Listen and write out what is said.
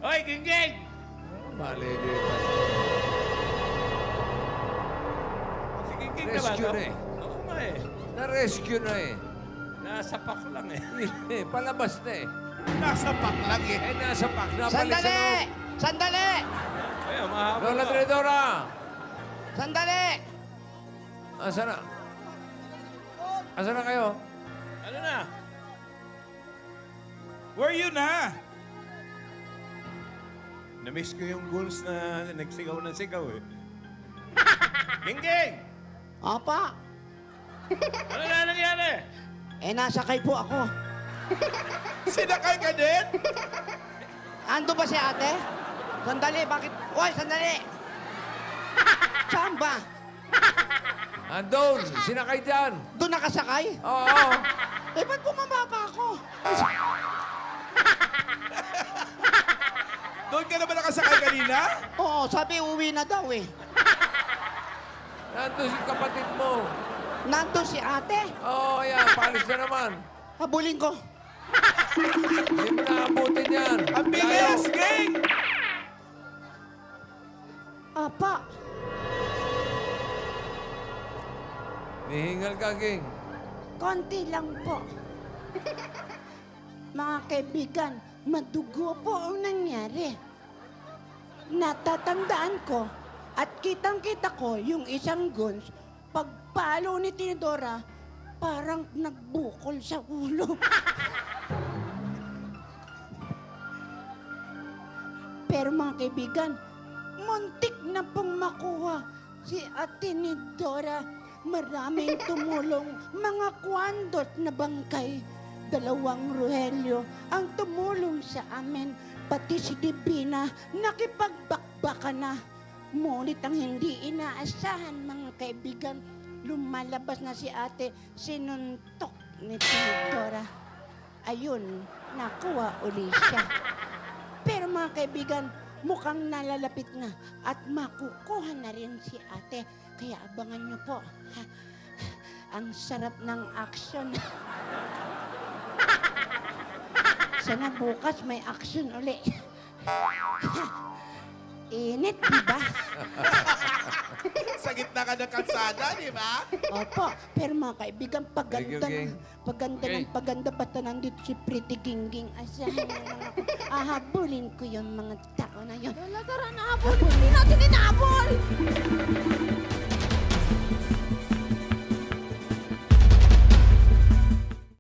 Hoy, Gingging! Mali dito. Si Gingging na ba? Rescue no? na eh. Oo nga eh. Na-rescue na eh. Nasa pack lang eh. Palabas na eh. Nasa pack lang eh. Nasa pack na. Sandali! Sandali! Ay, mahaba Lola pa. Tridora! Sandali! Asa na? Asa na kayo? Ano na? Where you na? Na-miss ko yung goals na nagsigaw ng sigaw eh. Gingging! Apa? Ano na nangyari? Nasakay po ako. Sinakay ka din? Ando ba si ate? Sandali, bakit? Hoy, sandali! Saan ba? Andun! Sinakay dyan! Doon nakasakay? Oo! Ba't bumaba pa ako? Doon ka na ba nakasakay kanina? Oo, sabi uwi na daw eh. Nandun si kapatid mo. Nandun si ate. Oo, yan. Palis na naman. Habulin ko. Hindi mo naabutin yan. Ang bilis, gang! Apa, Nihingal ka, Ging. konti lang po. Mga kaibigan, madugo po ang nangyari. Natatandaan ko at kitang-kita ko yung isang guns, pagpalo ni Tinidora, parang nagbukol sa ulo. Pero mga kaibigan, muntik na pong makuha si Ate Tinidora. Maraming tumulong, mga kwandot na bangkay. 2 Rogelio ang tumulong sa amin. Pati si Divina, nakipagbakbaka na. Ngunit ang hindi inaasahan, mga kaibigan, lumalabas na si ate, sinuntok ni Tinidora. Ayun, nakuha uli siya. Pero mga kaibigan, mukhang nalalapit na at makukuha na rin si ate. Kaya abangan niyo po. Ang sarap ng action. Sana bukas may action uli. Init, di ba? Sa gitna ka ng kalsada, di ba? Opo. Pero mga kaibigan, Thank you, Ging. paganda basta nandito si Pretty Gingging. Asahan niyo lang ako. Ahabulin ko yung mga tao na yun. Lola, tara na habol. Hindi natin inahabol.